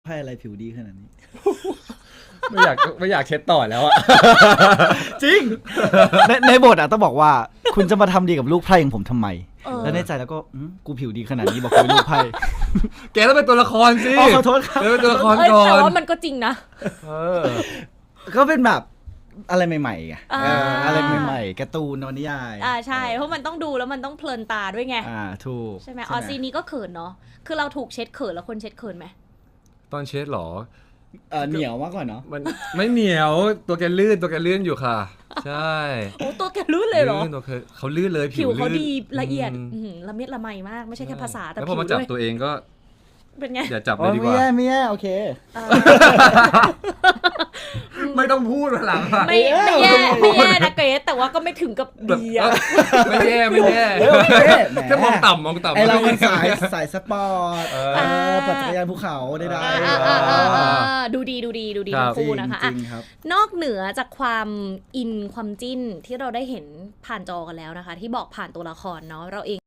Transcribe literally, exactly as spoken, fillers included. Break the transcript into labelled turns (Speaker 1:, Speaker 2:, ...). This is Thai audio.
Speaker 1: ไพ่อะไรผิวดีขนาดนี้
Speaker 2: ไม่อยากไม่อยากเช็ดต่อแล้วอะ
Speaker 1: จริง ในในบทอ่ะต้องบอกว่าคุณจะมาทำดีกับลูกไพ่ของผมทำไม แล้วในใจแล้วก็กูผิวดีขนาดนี้บอกกูลูกไพ่
Speaker 2: แกต้องเป็นตัวละครสิ
Speaker 1: อ๋อขอโทษครับ
Speaker 2: แกเป็นตัวละคร
Speaker 3: เอ้ย
Speaker 2: ก่อน
Speaker 3: แต่ว่ามันก็จริงนะ
Speaker 2: เออ
Speaker 1: ก็เป็นแบบอะไรใหม่ๆไง
Speaker 3: อ่า
Speaker 1: เอออะไรใหม่ๆการ์ตูนนวนิยาย
Speaker 3: อ่าใช่เพราะมันต้องดูแล้วมันต้องเพลินตาด้วยไง
Speaker 1: อ่าถูก
Speaker 3: ใช่ไหมออซีนนี้ก็เขินเนาะคือเราถูกเช็ดเขินแล้วคนเช็ดเขินไหม
Speaker 2: ตอนเช็ดเหรอ
Speaker 1: เออเหนียวมากกว่าเนาะ
Speaker 2: มันไม่เหนียวตัวแกลื่นตัวแกลื่นอยู่ค่ะ ใช่
Speaker 3: โอ้ตัวแกลื่นเลยเหรอ
Speaker 2: ลื่นตัวแกเขาลื่นเลย
Speaker 3: ผิวเขา
Speaker 2: ลื่น
Speaker 3: ดีละเอียด
Speaker 2: ม
Speaker 3: อื้อหือละเมียดละไมมากไม่ใช่แค่ภาษาแต่
Speaker 2: แล้วพ
Speaker 3: ผิ
Speaker 2: อ
Speaker 3: ว
Speaker 2: มาจับ
Speaker 3: ด้วย
Speaker 2: ตัวเองก็
Speaker 3: เป็นไง
Speaker 2: อย่าจับเล
Speaker 1: อ๋อย
Speaker 2: ดีก
Speaker 1: ไม่
Speaker 2: ว่า
Speaker 1: แย่ไม่แย่โอเค
Speaker 3: อ่า
Speaker 2: ไม่ต้องพูดหลังอะ
Speaker 3: ไม่ไม่แย่ไม่แย่นะเกรซแต่ว่าก็ไม่ถึงกับ
Speaker 2: แบบ
Speaker 3: ดีอะ
Speaker 2: ไม่แย่ไม่แย่
Speaker 1: เฮ้ยโอเคแหม
Speaker 2: แค่มองต่ำมองต่ำ
Speaker 1: ไอเรามันสายสายสปอร์ต
Speaker 2: เอ
Speaker 1: เอ
Speaker 2: อ
Speaker 1: อปั่นจักรยานภูเขาได้ได้
Speaker 3: อ่าอ่าอ่าอ่าอ่าดูดีดูดีดูดี
Speaker 2: ครั
Speaker 3: ทั้
Speaker 2: บ
Speaker 3: งคู่นะคะ
Speaker 1: จ
Speaker 3: อ่ะ
Speaker 1: ริงๆครับ
Speaker 3: นอกเหนือจากความอินความจิ้นที่เราได้เห็นผ่านจอกันแล้วนะคะ ที่บอกผ่านตัวละครเนาะเราเอง